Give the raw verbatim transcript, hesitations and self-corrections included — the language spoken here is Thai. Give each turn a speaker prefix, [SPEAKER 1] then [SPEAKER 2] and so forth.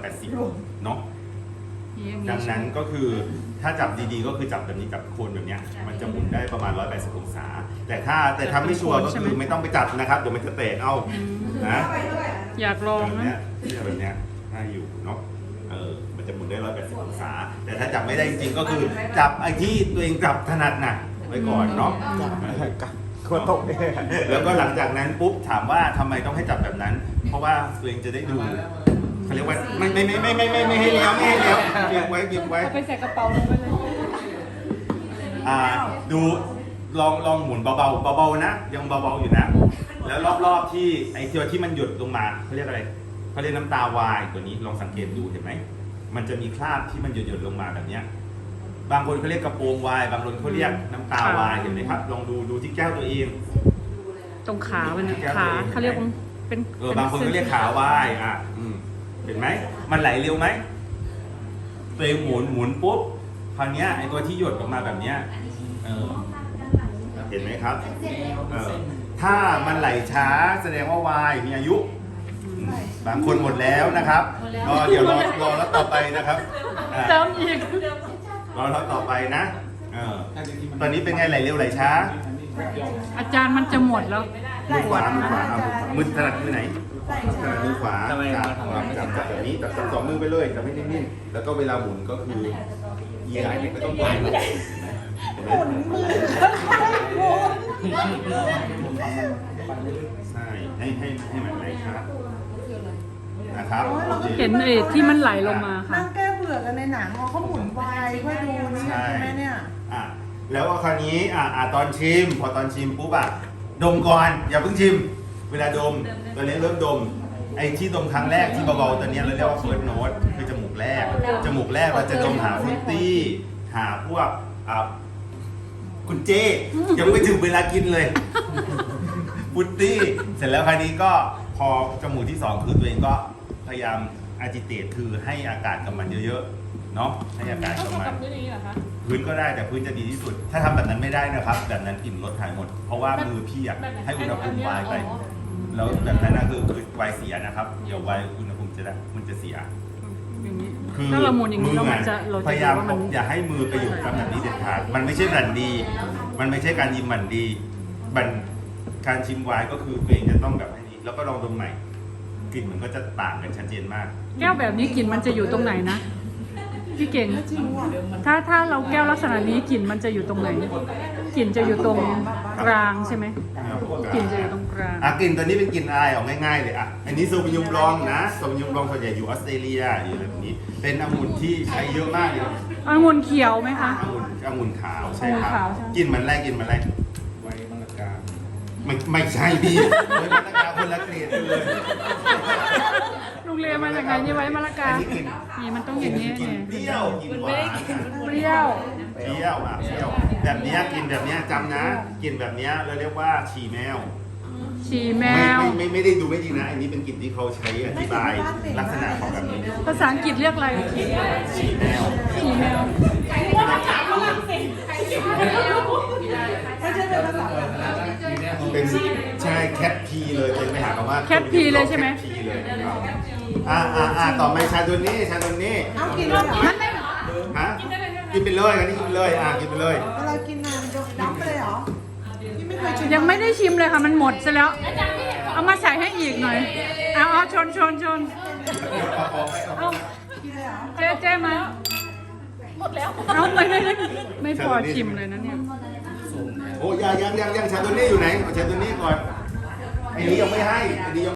[SPEAKER 1] ดสิบเนาะดังนั้นก็คือถ้าจับดีๆก็คือจับแบบนี้จับโคนแบบเนี้ยมันจะหมุนได้ประมาณหนึ่งร้อยแปดสิบองศาแต่ถ้าแต่ถ้าไม่ชัวร์ก็คือไม่ต้องไปจับนะครับเดี๋ยวมันจะเตะเอานะ
[SPEAKER 2] อยากลอง
[SPEAKER 1] แบบ
[SPEAKER 2] นะ
[SPEAKER 1] เนี้ยแบบเนี้ยถ้าอยู่เนาะเออมันจะหมุนได้หนึ่งร้อยแปดสิบองศาแต่ถ้าจับไม่ได้จริงๆก็คือจับไอ้ที่ตัวเองจับถนัดน่ะไว้ก่อนเนาะ
[SPEAKER 3] คนตกเนี่ย
[SPEAKER 1] แล้วก็หลังจากนั้นปุ๊บถามว่าทำไมต้องให้จับแบบนั้น เพราะว่าตัวเองจะได้ดูเขาเรียกว่าไม่ไม่ไม่ไม่ไม่ไม่ไม่ให้เลี้ยวไม่ให้เลี้ยวเก็บไว้เก็บไว้
[SPEAKER 2] เอาไปใส่กระเป๋าลงไปเลย
[SPEAKER 1] อ่าดูลองลองหมุนเบาๆเบาๆนะยังเบาๆอยู่นะแล้วรอบๆที่ไอ้ตัวที่มันหยดลงมาเขาเรียกอะไรเขาเรียกน้ำตาวายตัวนี้ลองสังเกตดูเห็นไหมมันจะมีคราบที่มันหยดหยดลงมาแบบเนี้ยบางคนเขาเรียกกระโปรงวายบางคนเขาเรียกน้ำตาวายเห็นไหมครับลองดูดูที่แก้วตัวเอง
[SPEAKER 2] ตรงขามันขาเขาเรียกว่าเป็น
[SPEAKER 1] เออบางคนก็เรียกขาวายอ่ะอืมเห็นไหมมันไหลเร็วไหมตัวเองหมุนหมุนปุ๊บคราวนี้ไอ้ตัวที่หยดออกมาแบบเนี้ยเออเห็นไหมครับเออถ้ามันไหลช้าแสดงว่าวายมีอายุบางคนหมดแล้วนะครับก็เดี๋ยวรอรอแล้วต่อไปนะครับอ่า
[SPEAKER 2] เติมอีก
[SPEAKER 1] รอแล้วต่อไปนะเออตอนนี้เป็นไงไหลเร็วไหลช้า
[SPEAKER 2] อาจารย์มันจะหมดแล้ว
[SPEAKER 1] มือขวามือขวาเอามือขวามือถนัดมือไหนถนัดมือขวาจับจับจับแบบนี้จับจับสองมือไปเลยจับให้นิ่งๆแล้วก็เวลาหมุนก็คือเอียงไม่ต้องหมุนหมุนมือใช่ให้ให้ให้มันไหลครับนะครับ
[SPEAKER 2] เห็นไอ้ที่มันไหลลงมาค่ะ
[SPEAKER 4] นั่งแก้เบื่อกันในหนังเขาหมุนวายค่อยดูนี่ใช่ไหมเนี่ย
[SPEAKER 1] อ่ะแล้วคราวนี้อ่ะอ่ะตอนชิมพอตอนชิมปุ๊บอ่ะดมก่อนอย่าเพิ่งชิม เวลาดมตอนนี้เริ่มดมไอ้ที่ดมครั้งแรกที่เบาๆตอนนี้เราเรียกว่าเฟิร์สโน้ตคือจมูกแรกจมูกแรกเราจะดมหาฟรุตตี้หาพวกอ่ะคุณเจยังไม่ถึงเวลากินเลยฟรุตตี้เสร็จแล้วคราวนี้ก็พอจมูกที่สองคือตัวเองก็พยายามอาจิเตตคือให้อากาศกับมันเยอะๆเนาะให้อากาศกับมัน พื้นก็ได้แต่พื้นจะดีที่สุด ถ้าทำแบบนั้นไม่ได้นะครับ แบบนั้นกลิ่นรถหายหมด เพราะว่ามือพี่อะให้อุณหภูมิวายไป แล้วแบบนั้นนะคือคือวายเสียนะครับ เดี๋ยววายอุณหภูมิจะได้มันจะเสีย
[SPEAKER 2] อย่างนี้
[SPEAKER 1] คือ
[SPEAKER 2] ถ้าเราหมุนอย่างนี้
[SPEAKER 1] มื
[SPEAKER 2] เรา
[SPEAKER 1] อ
[SPEAKER 2] มันจะเรา
[SPEAKER 1] พ
[SPEAKER 2] จะ
[SPEAKER 1] ยายาม
[SPEAKER 2] ว่ามัน
[SPEAKER 1] อย่าให้มือไปอยู่กับแบบนี้เด็ดขาด มันไม่ใช่บันดี มันไม่ใช่การยิมบันดี บันการชิมวายก็คือตัวเองจะต้องแบบนี้ แล้วก็ลองดมใหม่ กลิ่นมันก็จะต่างกันชัดเจนมาก
[SPEAKER 2] แก้วแบบนี้กลิ่นมันจะอยู่ตรงไหนนะพี่เก่ง
[SPEAKER 4] จริงว่ะ
[SPEAKER 2] ถ้าถ้าเราแก้วลักษณะนี้กลิ่นมันจะอยู่ตรงไหนกลิ่นจะอยู่ตรงกลางใช่ไหมกลิ่นจะอยู่ตรงกลาง
[SPEAKER 1] อ่ะกลิ่นตัวนี้เป็นกลิ่นอายออกง่ายๆเลยอ่ะอันนี้โซบิยุมรองนะโซบิยุมรองส่วนใหญ่อยู่ออสเตรเลียอยู่อะไรแบบนี้ เป็นองุ่นที่ใช้เยอะมากเลย
[SPEAKER 2] องุ่นเขียวไหมคะ
[SPEAKER 1] องุ่นองุ่นขาวใช่ครับ
[SPEAKER 2] องุ่นขาวใช่
[SPEAKER 1] กลิ่นมันอะไรกลิ่นมันอะไร
[SPEAKER 3] ไว้มังกร
[SPEAKER 1] ไม่ไม่ใช่พี่ไว้มะละกาคนละเกรดเลย
[SPEAKER 2] ลุงเรียนมาจากไหนนี่ไว้มะละกา
[SPEAKER 1] อันนี้กลิ่น
[SPEAKER 2] นี่มันต้องอย่างนี้
[SPEAKER 1] กลิ่น
[SPEAKER 2] ไง
[SPEAKER 1] เปรี้ยวกลิ่นหวาน
[SPEAKER 2] เปรี้ยว
[SPEAKER 1] เปรี้ยวอ่ะเปรี้ยวแบบเนี้ยกลิ่นแบบเนี้ยจำนะกลิ่นแบบเนี้ยเราเรียกว่าฉี่แมว
[SPEAKER 2] ฉี่แม
[SPEAKER 1] ไม่
[SPEAKER 2] ว
[SPEAKER 1] ไม่ไม่ไม่ได้ดูไม่ดีนะ อันนี้เป็นกลิ่นที่เขาใช้อธิบายลักษณะของแบบนี้
[SPEAKER 2] ภาษาอังกฤษเรียกอะไร
[SPEAKER 1] ฉี่แมว
[SPEAKER 2] ฉี่แมว
[SPEAKER 4] ไม่ใช่เป็นภาษา
[SPEAKER 1] เป็นใช่แคทพีเลยเป็นไปหาคำว่า
[SPEAKER 2] แคทพีเลยใช่ไหม
[SPEAKER 1] แคทพีเลยครับอ่าอ่าอ่าต่อไปชาตัวนี้ชาตัวนี้
[SPEAKER 4] เอากินเลยเหรอ
[SPEAKER 2] มันไม่
[SPEAKER 1] ฮะกินไปเลยอันนี้กินไปเลยอ่ากินไปเลย
[SPEAKER 4] เวลากินนานจะดับไปเลยเหรอที่ไม่เคยชิม
[SPEAKER 2] ยังไม่ได้ชิมเลยค่ะมันหมดซะแล้ว เอามาใส่ให้อีกหน่อย เอาเอาชนชนชนเอา
[SPEAKER 4] กินเลยเหรอ
[SPEAKER 2] เจ๊เจ๊มาหมดแล้วเอาไม่ไม่ไม่ไม่พอชิมเลยนะเนี่ย
[SPEAKER 1] โอ้ยังยังยังยังชาตัวนี้อยู่ไหนเอาชาตัวนี้ก่อนไอ้นี้ยังไม่ให้ไอ้นี้ยัง